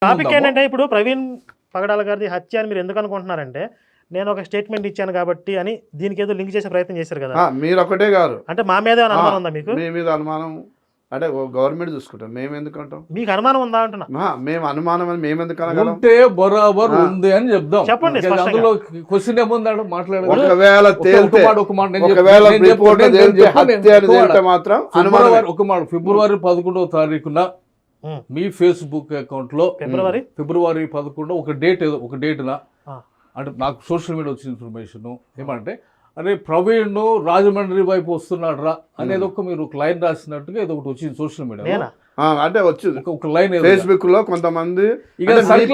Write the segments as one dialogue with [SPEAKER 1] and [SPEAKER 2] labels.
[SPEAKER 1] Topic ఏంటంటే ఇప్పుడు ప్రవీణ్ పగడాల గారిది హత్య అని మీరు ఎందుకు అనుకుంటున్నారంటే నేను ఒక స్టేట్మెంట్ ఇచ్చాను కాబట్టి అని దీనికి ఏదో లింక్ చేసే ప్రయత్నం చేశారు కదా.
[SPEAKER 2] మీరు ఒకటే గారు
[SPEAKER 1] అంటే మా మీద ఏమైనా అనుమానం ఉందా మీకు?
[SPEAKER 2] మీ మీద అనుమానం అంటే గవర్నమెంట్ చూసుకుంటాం, మేము ఎందుకు అంటాం?
[SPEAKER 1] మీకు అనుమానం ఉందా అంటున్నా.
[SPEAKER 2] మేము అనుమానం అని మేము ఎందుకు అనగలం?
[SPEAKER 3] ఉంటే బరాబర్ ఉంది అని చెప్దాం.
[SPEAKER 1] చెప్పండి.
[SPEAKER 3] అందులో క్వశ్చన్ ఏముందాడు మాట్లాడారు.
[SPEAKER 2] ఒకవేళ తేలితే ఒకవేళ రిపోర్ట్ తేలితే హత్య అని తేలితే మాత్రం అనుమానం.
[SPEAKER 3] ఒక మాట, ఫిబ్రవరి 11వ తారీఖున మీ ఫేస్బుక్ అకౌంట్ లో ఫిబ్రవరి 11 ఒక డేట్న అంటే నాకు సోషల్ మీడియా వచ్చిన ఇన్ఫర్మేషన్ ఏమంటే అరే ప్రవీణ్ రాజమండ్రి వైపు వస్తున్నాడు రా అనేది మీరు ఒక లైన్ రాసినట్టుగా ఏదో ఒకటి వచ్చింది సోషల్ మీడియా.
[SPEAKER 2] అంటే వచ్చింది
[SPEAKER 3] ఒక లైన్
[SPEAKER 2] ఫేస్బుక్ లో కొంతమంది
[SPEAKER 1] ఏం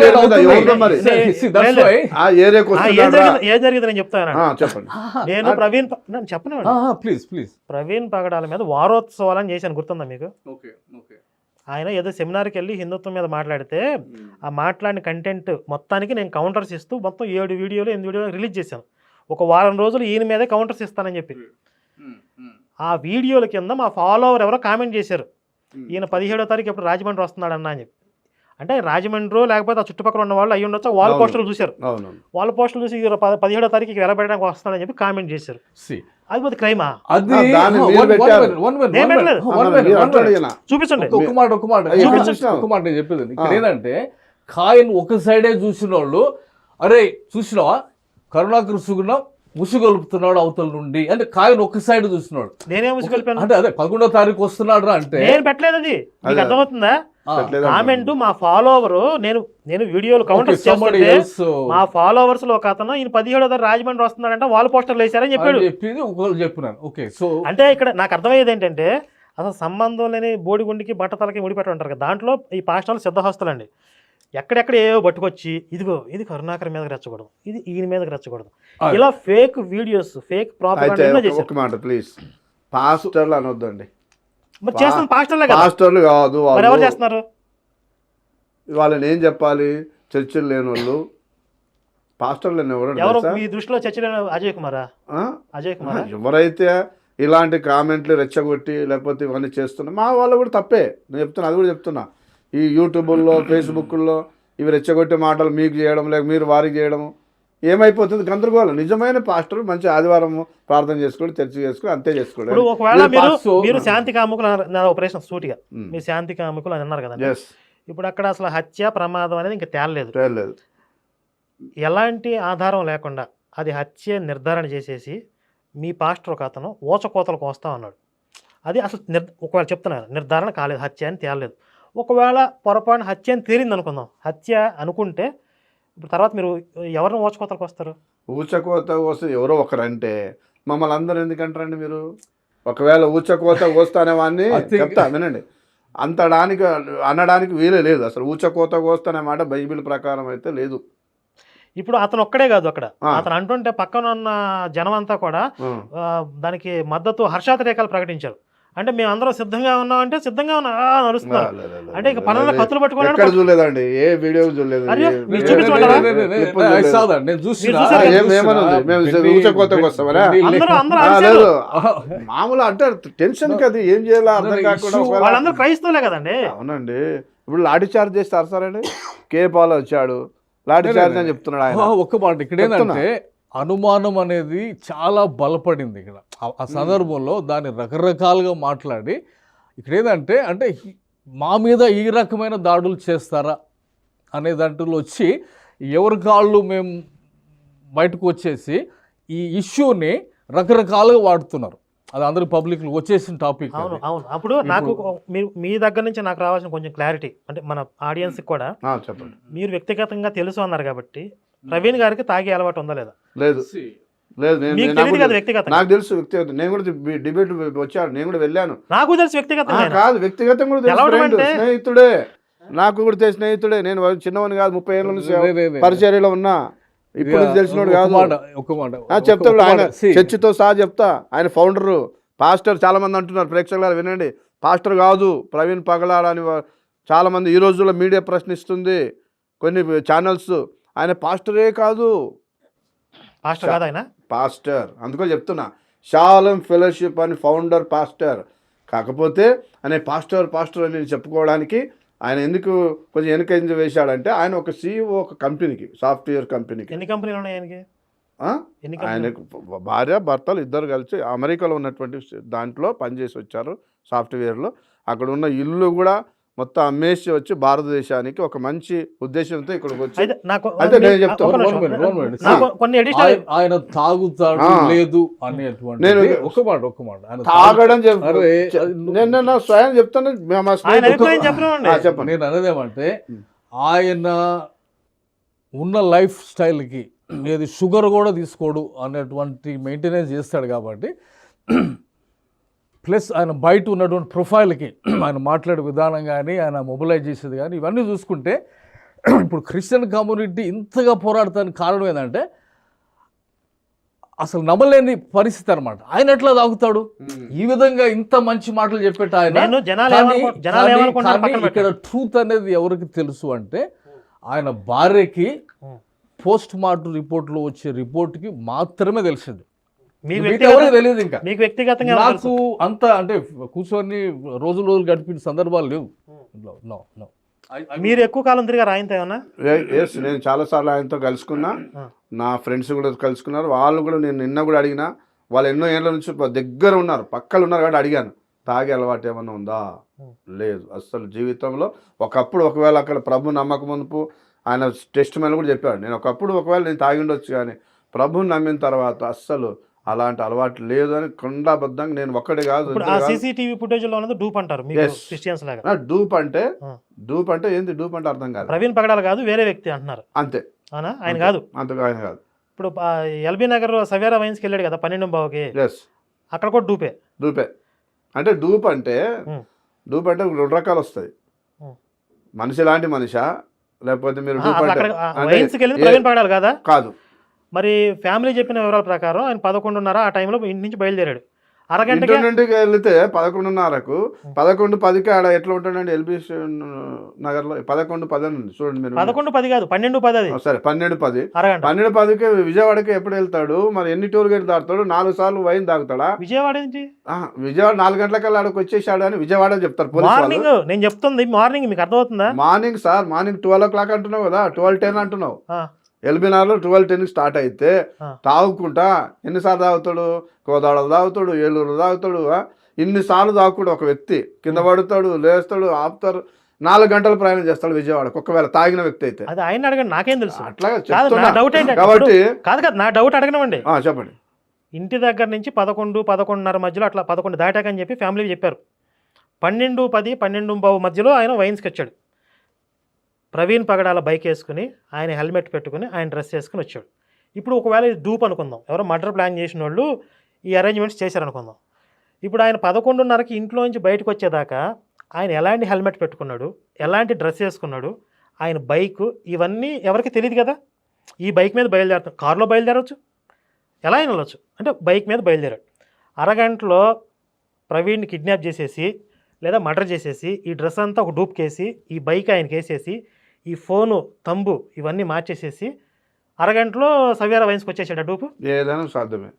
[SPEAKER 1] జరిగింది నేను చెప్తాను.
[SPEAKER 2] చెప్పండి.
[SPEAKER 1] నేను ప్రవీణ్ చెప్పను
[SPEAKER 3] ప్లీజ్
[SPEAKER 1] ప్రవీణ్ పగడాల మీద వారోత్సవాలని చేశాను, గుర్తుందా మీకు? ఆయన ఏదో సెమినార్కి వెళ్ళి హిందుత్వం మీద మాట్లాడితే ఆ మాట్లాడిన కంటెంట్ మొత్తానికి నేను కౌంటర్స్ ఇస్తూ మొత్తం 7 వీడియోలు 8 వీడియోలు రిలీజ్ చేశాను. ఒక వారం రోజులు ఈయన మీదే కౌంటర్స్ ఇస్తానని చెప్పి ఆ వీడియోల కింద మా ఫాలోవర్ ఎవరో కామెంట్ చేశారు, ఈయన 17వ తారీఖు ఎప్పుడు రాజమండ్రి వస్తున్నాడన్నా అని చెప్పి. అంటే రాజమండ్రి లేకపోతే ఆ చుట్టుపక్కల ఉన్న వాళ్ళు అయ్యి ఉండొచ్చు, వాల్ పోస్టర్లు చూశారు. వాల్ పోస్టర్లు చూసి 17వ తారీఖుకి వెళ్ళబెట్టడానికి వస్తున్నాడని చెప్పి కామెంట్ చేశారు. అది పోతే క్రైమా? చూపించండి.
[SPEAKER 3] ఒక మాట నేను చెప్పేది ఇక్కడ ఏంటంటే కాయన్ ఒక సైడే చూసిన వాళ్ళు అరే చూసినావా కరుణాకర్ సుగుణ ముసుగొలుపుతున్నాడు అవతల నుండి అంటే కాయన్ ఒక సైడ్ చూస్తున్నాడు.
[SPEAKER 1] నేనే ముసుగొలిపాను
[SPEAKER 3] అంటే అదే 11వ తారీఖు వస్తున్నాడు అంటే
[SPEAKER 1] నేను పెట్టలేదు. అది మీకు అర్థమవుతుందా? కామెంట్ మా ఫాలోవర్ నేను వీడియోలు కౌంటర్స్ చేస్తుంటే మా ఫాలోవర్స్ లో ఒక అతను ఈయన 17వ తారీఖు రాజమండ్రి వస్తున్నాడంటే వాల్ పోస్టర్లు వేశారని చెప్పాడు.
[SPEAKER 3] చెప్పినాను. ఓకే, సో అంటే
[SPEAKER 1] ఇక్కడ నాకు అర్థమయ్యేది ఏంటంటే అసలు సంబంధం లేని బోడిగుండికి బట్టతలకి ముడిపెట్టి ఉంటారు కదా, దాంట్లో ఈ పాస్టర్లు సిద్ధహస్తులండి. ఎక్కడెక్కడ ఏవో పట్టుకొచ్చి ఇదిగో ఇది కరుణాకర్ మీదకి రెచ్చకూడదు, ఇది ఈయన మీదకి రెచ్చకూడదు, ఇలా ఫేక్ వీడియోస్ ఫేక్ ప్రాపగండా చేశారు.
[SPEAKER 2] ప్లీజ్ పాస్టర్లు అనొద్దండి.
[SPEAKER 1] మరి చేస్తున్న పాస్టర్లే కదా.
[SPEAKER 2] పాస్టర్లు కాదు,
[SPEAKER 1] ఎవరు చేస్తున్నారు?
[SPEAKER 2] వాళ్ళని ఏం చెప్పాలి? చర్చలు లేని వాళ్ళు పాస్టర్లు
[SPEAKER 1] ఎవరు మీ దృష్టిలో చర్చలు? అజయ్ కుమారా?
[SPEAKER 2] ఎవరైతే ఇలాంటి కామెంట్లు రెచ్చగొట్టి లేకపోతే ఇవన్నీ చేస్తున్నా మా వాళ్ళు కూడా తప్పే. నేను చెప్తున్నా, అది కూడా చెప్తున్నా. ఈ యూట్యూబ్లో ఫేస్బుక్లో ఇవి రెచ్చగొట్టే మాటలు మీకు చేయడం లేక మీరు వారికి చేయడం ఏమైపోతుంది గందరగోళం. నిజమైన పాస్టర్ మంచి ఆదివారం ప్రార్థన చేసుకోండి, చర్చ చేసుకోండి, అంతే చేసుకోండి.
[SPEAKER 1] ఇప్పుడు ఒకవేళ మీరు శాంతి కాముకులు ఆపరేషన్ సూటిగా మీరు శాంతి కాముకులు అని అన్నారు కదా, ఇప్పుడు అక్కడ అసలు హత్య ప్రమాదం అనేది ఇంకా తేలలేదు. ఎలాంటి ఆధారం లేకుండా అది హత్య నిర్ధారణ చేసేసి మీ పాస్టర్ ఒక అతను ఊచకోతలకు వస్తా ఉన్నాడు. అది అసలు ఒకవేళ చెప్తున్నారు నిర్ధారణ కాలేదు, హత్య అని తేలలేదు. ఒకవేళ పొరపాటున హత్య అని తేలింది అనుకుందాం, హత్య అనుకుంటే ఇప్పుడు తర్వాత మీరు ఎవరిని ఊచకోతలకు వస్తారు?
[SPEAKER 2] ఊచకోత వస్తే ఎవరో ఒకరంటే మమ్మల్ని అందరూ ఎందుకంటారండి మీరు? ఒకవేళ ఊచకోత వస్తానే వాడిని చెప్తా వినండి, అనడానికి వీలే లేదు. అసలు ఊచకోత కోస్తనే మాట బైబిల్ ప్రకారం అయితే లేదు.
[SPEAKER 1] ఇప్పుడు అతను ఒక్కడే కాదు, అక్కడ అతను అంటుంటే పక్కన ఉన్న జనం అంతా కూడా దానికి మద్దతు హర్షాతిరేకాలు ప్రకటించారు. అంటే మేము అందరం సిద్ధంగా ఉన్నాం అంటే సిద్ధంగా ఉన్నా నడుస్తున్నారు. అంటే ఇక పనుల కత్తులు పట్టుకోవాలి.
[SPEAKER 2] చూడలేదండి, ఏ వీడియో చూడలేదు. మామూలు అంటే టెన్షన్ కదా, ఏం చేయాలో అర్థం కాకుండా.
[SPEAKER 1] వాళ్ళందరూ క్రైస్తవులే కదండి.
[SPEAKER 2] అవునండి. ఇప్పుడు లాఠీ చార్జ్ చేస్తారు సార్ అండి. కేపాల్ వచ్చాడు లాఠీ చార్జ్ అని చెప్తున్నాడు ఆయన.
[SPEAKER 3] ఒక్క మాట ఇక్కడ ఏంటంటే అనుమానం అనేది చాలా బలపడింది. ఇక్కడ ఆ సందర్భంలో దాన్ని రకరకాలుగా మాట్లాడి ఇక్కడ ఏంటంటే అంటే మా మీద ఈ రకమైన దాడులు చేస్తారా అనే దాంట్లో వచ్చి ఎవరి కాళ్ళు మేము బయటకు వచ్చేసి ఈ ఇష్యూని రకరకాలుగా వాడుతున్నారు. అది అందరూ పబ్లిక్ వచ్చేసిన టాపిక్.
[SPEAKER 1] అవును అవును. అప్పుడు నాకు మీ దగ్గర నుంచి నాకు రావాల్సిన కొంచెం క్లారిటీ అంటే మన ఆడియన్స్కి కూడా
[SPEAKER 2] చెప్పండి.
[SPEAKER 1] మీరు వ్యక్తిగతంగా తెలుసు అన్నారు కాబట్టి ప్రవీణ్ గారికి తాగే అలవాటు ఉందా లేదా?
[SPEAKER 2] లేదు లేదు, నాకు తెలుసు వ్యక్తిగతం. నేను కూడా డిబేట్ వచ్చాను, నేను కూడా వెళ్ళాను.
[SPEAKER 1] నాకు తెలుసు వ్యక్తిగతం
[SPEAKER 2] కాదు, వ్యక్తిగతం కూడా తెలుసు. స్నేహితుడే, నాకు కూడా తెలిసిన స్నేహితుడే. నేను చిన్నవాడిని కాదు, 30 ఏళ్ళ నుంచి పరిచర్యలో ఉన్నా. ఇప్పుడు తెలిసినోడు కాదు. చెప్తాడు ఆయన, చర్చితో సహా చెప్తా. ఆయన ఫౌండరు, పాస్టర్. చాలా మంది అంటున్నారు, ప్రేక్షకులు వినండి, పాస్టర్ కాదు ప్రవీణ్ పగడాల అని చాలా మంది ఈ రోజుల్లో మీడియా ప్రశ్నిస్తుంది, కొన్ని ఛానల్స్. ఆయన పాస్టరే కాదు, పాస్టర్. అందుకో చెప్తున్నా, షాలం ఫెలోషిప్ అని ఫౌండర్ పాస్టర్. కాకపోతే అనే పాస్టర్ అని చెప్పుకోవడానికి ఆయన ఎందుకు కొంచెం వెనకంజ వేశాడంటే ఆయన ఒక CEO ఒక కంపెనీకి, సాఫ్ట్వేర్ కంపెనీకి.
[SPEAKER 1] ఎన్ని కంపెనీలు ఉన్నాయి ఆయనకి?
[SPEAKER 2] ఆయనకు భార్య భర్తలు ఇద్దరు కలిసి అమెరికాలో ఉన్నటువంటి దాంట్లో పనిచేసి వచ్చారు సాఫ్ట్వేర్లో. అక్కడ ఉన్న ఇల్లు కూడా మొత్తం అమ్మేసి వచ్చి భారతదేశానికి ఒక మంచి ఉద్దేశంతో ఇక్కడికి వచ్చి అయితే నేను చెప్తాను
[SPEAKER 3] ఆయన తాగుతాడు లేదు అనేటువంటి
[SPEAKER 2] నేను
[SPEAKER 3] ఒక మాట
[SPEAKER 2] తాగడం నేను నా స్వయం చెప్తాను. చెప్పండి.
[SPEAKER 3] నేను అనేదేమంటే ఆయన ఉన్న లైఫ్ స్టైల్కి ఏది షుగర్ కూడా తీసుకోడు అనేటువంటి మెయింటెనెన్స్ చేస్తాడు కాబట్టి, ప్లస్ ఆయన బయట ఉన్నటువంటి ప్రొఫైల్కి ఆయన మాట్లాడే విధానం కానీ ఆయన మొబిలైజ్ చేసేది కానీ ఇవన్నీ చూసుకుంటే ఇప్పుడు క్రిస్టియన్ కమ్యూనిటీ ఇంతగా పోరాడటానికి కారణం ఏంటంటే అసలు నమ్మలేని పరిస్థితి అనమాట. ఆయన ఎట్లా తాగుతాడు? ఈ విధంగా ఇంత మంచి మాటలు చెప్పేట ఆయన. ఇక్కడ ట్రూత్ అనేది ఎవరికి తెలుసు అంటే ఆయన భార్యకి పోస్ట్ మార్టం రిపోర్ట్లో వచ్చే రిపోర్ట్కి మాత్రమే తెలిసింది. తెలియదు. ఇంకా
[SPEAKER 1] మీకు వ్యక్తిగతంగా
[SPEAKER 3] నాకు అంత అంటే కూర్చొని రోజులు గడిపిన సందర్భాలు లేవు.
[SPEAKER 1] మీరు ఎక్కువ కాలం తిరిగారు ఆయనతో ఏమన్నా?
[SPEAKER 2] నేను చాలాసార్లు ఆయనతో కలుసుకున్నా, నా ఫ్రెండ్స్ కూడా కలుసుకున్నారు. వాళ్ళు కూడా నేను నిన్న కూడా అడిగినా, వాళ్ళు ఎన్నో ఏళ్ళ నుంచి దగ్గర ఉన్నారు, పక్కలు ఉన్నారు కాబట్టి అడిగాను, తాగే అలవాటు ఏమన్నా ఉందా? లేదు అసలు జీవితంలో. ఒకప్పుడు ఒకవేళ అక్కడ ప్రభు నమ్మకం మునుపు ఆయన టెస్ట్ మీద కూడా చెప్పాడు, నేను ఒకప్పుడు ఒకవేళ నేను తాగి ఉండొచ్చు కానీ ప్రభుని నమ్మిన తర్వాత అస్సలు అలాంటి అలవాటు లేదు అని కొండాబద్ధంగా. నేను ఒక్కడే కాదు,
[SPEAKER 1] సీసీటీవీ ఫుటేజ్ లో ఉన్నది డూప్ అంటారు క్రిస్టియన్స్ లాగా.
[SPEAKER 2] డూప్ అంటే ఏంది? డూప్ అంటే అర్థం కాదు.
[SPEAKER 1] ప్రవీణ్ పగడాల కాదు, వేరే వ్యక్తి అంటున్నారు.
[SPEAKER 2] అంతే,
[SPEAKER 1] ఆయన కాదు.
[SPEAKER 2] అంతగా ఆయన కాదు.
[SPEAKER 1] ఇప్పుడు ఎల్బీ నగర్ సవేరా వైన్స్కి వెళ్ళాడు కదా 12 అక్కడ కూడా డూపే.
[SPEAKER 2] అంటే డూప్ అంటే 2 రకాలు వస్తాయి. మనిషి లాంటి మనిషా, లేకపోతే మీరు
[SPEAKER 1] ప్రవీణ్ పగడాలి కదా?
[SPEAKER 2] కాదు.
[SPEAKER 1] మరి ఫ్యామిలీ చెప్పిన వివరాల ప్రకారం ఆయన 11:30 ఆ టైంలో ఇంటి నుంచి బయలుదేరాడు. అరగంట
[SPEAKER 2] నుండికి వెళ్తే 11:30కు 11:10కి ఆడ ఎట్లా ఉంటాడండి ఎల్బీ నగర్ లో? 11:10 ఉంది చూడండి మీరు.
[SPEAKER 1] 11:10 కాదు, 12:10.
[SPEAKER 2] సరే 12:10. 12:10కి విజయవాడకి ఎప్పుడు వెళ్తాడు? మరి ఎన్ని టోల్ గేట్ దాటుతాడు? 4 సార్లు వైన్ తాగుతాడా?
[SPEAKER 1] విజయవాడ నుంచి
[SPEAKER 2] విజయవాడ 4 గంటలకల్లా ఆడకు వచ్చేసాడు అని విజయవాడ చెప్తారు.
[SPEAKER 1] మార్నింగ్ నేను చెప్తుంది మార్నింగ్, మీకు అర్థమవుతుందా?
[SPEAKER 2] మార్నింగ్ సార్, మార్నింగ్ 12 o'clock అంటున్నావు కదా, 12:10 అంటున్నావు. ఎల్బీ నగర్లో 12:10 స్టార్ట్ అయితే తాగుకుంటా ఎన్నిసార్లు తాగుతాడు? కోదాడలు తాగుతాడు, ఏలూరు తాగుతాడు, ఇన్నిసార్లు తాగుతాడు ఒక వ్యక్తి. కింద పడుతాడు, లేస్తాడు, ఆపుతారు. 4 గంటలు ప్రయాణం చేస్తాడు విజయవాడకు ఒకవేళ తాగిన వ్యక్తి అయితే.
[SPEAKER 1] అది ఆయన అడగండి, నాకేం తెలుసు.
[SPEAKER 2] అట్లాగా
[SPEAKER 1] కాబట్టి కాదు నా డౌట్ అడగనమండి.
[SPEAKER 2] చెప్పండి.
[SPEAKER 1] ఇంటి దగ్గర నుంచి 11, 11:30 మధ్యలో అట్లా 11 దాటాకని చెప్పి ఫ్యామిలీ చెప్పారు. 12:10, 12:15 మధ్యలో ఆయన వైన్స్కి వచ్చాడు. ప్రవీణ్ పగడాల బైక్ వేసుకుని, ఆయన హెల్మెట్ పెట్టుకుని, ఆయన డ్రెస్ వేసుకుని వచ్చాడు. ఇప్పుడు ఒకవేళ ఇది డూప్ అనుకుందాం, ఎవరో మర్డర్ ప్లాన్ చేసిన వాళ్ళు ఈ అరేంజ్మెంట్స్ చేశారనుకుందాం. ఇప్పుడు ఆయన 11:30కి ఇంట్లో నుంచి బయటకు వచ్చేదాకా ఆయన ఎలాంటి హెల్మెట్ పెట్టుకున్నాడు, ఎలాంటి డ్రెస్ వేసుకున్నాడు, ఆయన బైక్, ఇవన్నీ ఎవరికి తెలియదు కదా. ఈ బైక్ మీద బయలుదేరుతాం, కారులో బయలుదేరవచ్చు, ఎలా అయినా వెళ్ళచ్చు. అంటే బైక్ మీద బయలుదేరాడు. అరగంటలో ప్రవీణ్ని కిడ్నాప్ చేసేసి లేదా మర్డర్ చేసేసి ఈ డ్రెస్ అంతా ఒక డూప్ కేసి ఈ బైక్ ఆయనకి వేసేసి ఈ ఫోను తంబు ఇవన్నీ మార్చేసేసి అరగంటలో సవేరా వైన్స్కి వచ్చేసాడు. డూపు
[SPEAKER 2] ఏదైనా సాధ్యమే.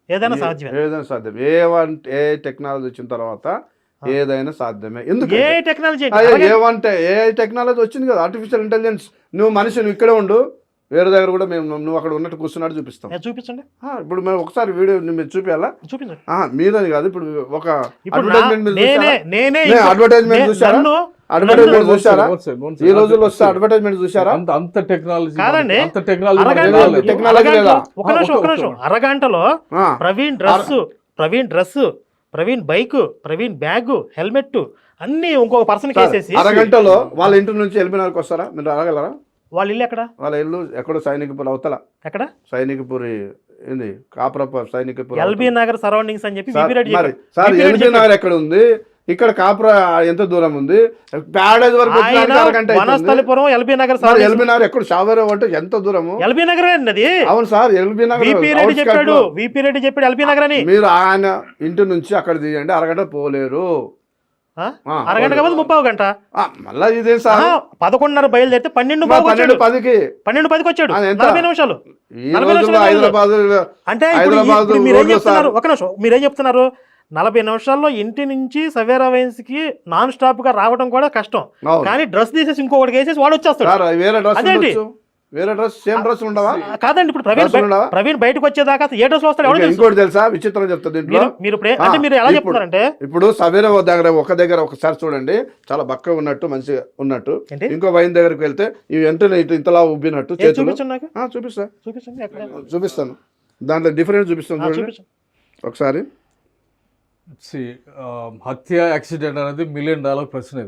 [SPEAKER 2] ఏ టెక్నాలజీ వచ్చిన తర్వాత ఏదైనా సాధ్యమే. ఎందుకు ఏ టెక్నాలజీ వచ్చింది కదా, ఆర్టిఫిషియల్ ఇంటెలిజెన్స్. నువ్వు మనిషి, నువ్వు ఇక్కడే ఉండు, వేరే దగ్గర కూడా మేము నువ్వు అక్కడ ఉన్నట్టు కూర్చున్నాడు చూపిస్తాం.
[SPEAKER 1] చూపించండి.
[SPEAKER 2] ఇప్పుడు మేము ఒకసారి వీడియో మీరు చూపించాలా?
[SPEAKER 1] చూపించండి.
[SPEAKER 2] మీదని కాదు, ఇప్పుడు ఒక
[SPEAKER 1] అడ్వర్టైజ్మెంట్
[SPEAKER 2] చూసారా? ఈ రోజుల్లో వస్తే అడ్వర్టైజ్మెంట్ చూసారా?
[SPEAKER 3] అంత టెక్నాలజీ
[SPEAKER 1] కాదండి.
[SPEAKER 2] టెక్నాలజీ లేదా?
[SPEAKER 1] ఒక నిమిషం. అరగంటలో Praveen dress, Praveen bike, Praveen bag, helmet అన్ని ఇంకొక పర్సన్ కేసేసి
[SPEAKER 2] అరగంటలో వాళ్ళ ఇంటి నుంచి ఎల్బీనగర్కి వస్తారా? మీరు అడగలరా?
[SPEAKER 1] వాళ్ళ ఇల్లు ఎక్కడ?
[SPEAKER 2] వాళ్ళ ఇల్లు ఎక్కడో సైనికపూర్ అవతల.
[SPEAKER 1] ఎక్కడ?
[SPEAKER 2] సైనికపూరి ఏంది, కాపురప్ప సైనికపూర్,
[SPEAKER 1] ఎల్బీ నగర్ సరౌండింగ్స్ అని చెప్పి.
[SPEAKER 2] సార్ ఎల్బీ నగర్ ఎక్కడ ఉంది? ఇక్కడ కాపుర ఎంత దూరం ఉంది? ప్యాడేజ్ వరకు
[SPEAKER 1] వనస్థలిపురం, ఎల్బీ నగర్.
[SPEAKER 2] ఎల్బీ నగర్ ఎక్కడ? షావేరా అంటే ఎంత దూరము?
[SPEAKER 1] ఎల్బీ నగర్ అండి.
[SPEAKER 2] అవును sir, LB Nagar.
[SPEAKER 1] VP Reddy చెప్పాడు ఎల్బీ నగర్ అని.
[SPEAKER 2] మీరు ఆయన ఇంటి నుంచి అక్కడ తీయండి, అరగంట పోలేరు.
[SPEAKER 1] అరగంట కాదు 30 గంట.
[SPEAKER 2] మళ్ళా ఇదే సార్
[SPEAKER 1] 11:30 బయలుదేరితే 12:10కి వచ్చాడు. 40 నిమిషాలు.
[SPEAKER 2] హైదరాబాద్
[SPEAKER 1] అంటే మీరేం చెప్తున్నారు? ఒక నిమిషం, మీరేం చెప్తున్నారు? 40 నిమిషాల్లో ఇంటి నుంచి సవేరా వైన్స్కి నాన్ స్టాప్గా రావడం కూడా కష్టం.
[SPEAKER 2] అవును.
[SPEAKER 1] కానీ డ్రెస్ తీసేసి ఇంకొకటి వేసేసి వాడు వచ్చేస్తాడు.
[SPEAKER 2] సార్ వేరే డ్రెస్
[SPEAKER 1] అదేంటి?
[SPEAKER 2] ఉండొచ్చు. వేరే డ్రెస్ సేమ్ డ్రెస్ ఉండవా?
[SPEAKER 1] కాదండి, ఇప్పుడు
[SPEAKER 2] డ్రెస్సులు ఉండవా?
[SPEAKER 1] ప్రవీణ్ బయటకు వచ్చేదాకా అసలు ఏ డ్రెస్ వస్తాడు ఎవరు తెలుసు?
[SPEAKER 2] ఇంకోటి తెలుసా విచిత్రం చెప్తా దీంట్లో.
[SPEAKER 1] మీరు అంటే మీరు ఎలా చెప్తున్నారంటే
[SPEAKER 2] ఇప్పుడు సవేరా దగ్గర ఒకసారి చూడండి, చాలా బక్కగా ఉన్నట్టు మంచిగా ఉన్నట్టు.
[SPEAKER 1] ఏంటి?
[SPEAKER 2] ఇంకో వైన్ దగ్గరికి వెళ్తే ఇవి వెంటనే ఇంతలా ఉబ్బినట్టు చేతులు.
[SPEAKER 1] చూపించండి నాకు,
[SPEAKER 2] చూపిస్తా,
[SPEAKER 1] చూపించండి ఎక్కడ
[SPEAKER 2] చూపిస్తాను. దాంట్లో డిఫరెన్స్ చూపిస్తాను చూడండి
[SPEAKER 1] చూపించండి.
[SPEAKER 2] ఒకసారి.
[SPEAKER 3] హత్య యాక్సిడెంట్ అనేది $1 మిలియన్ ప్రశ్న ఇది.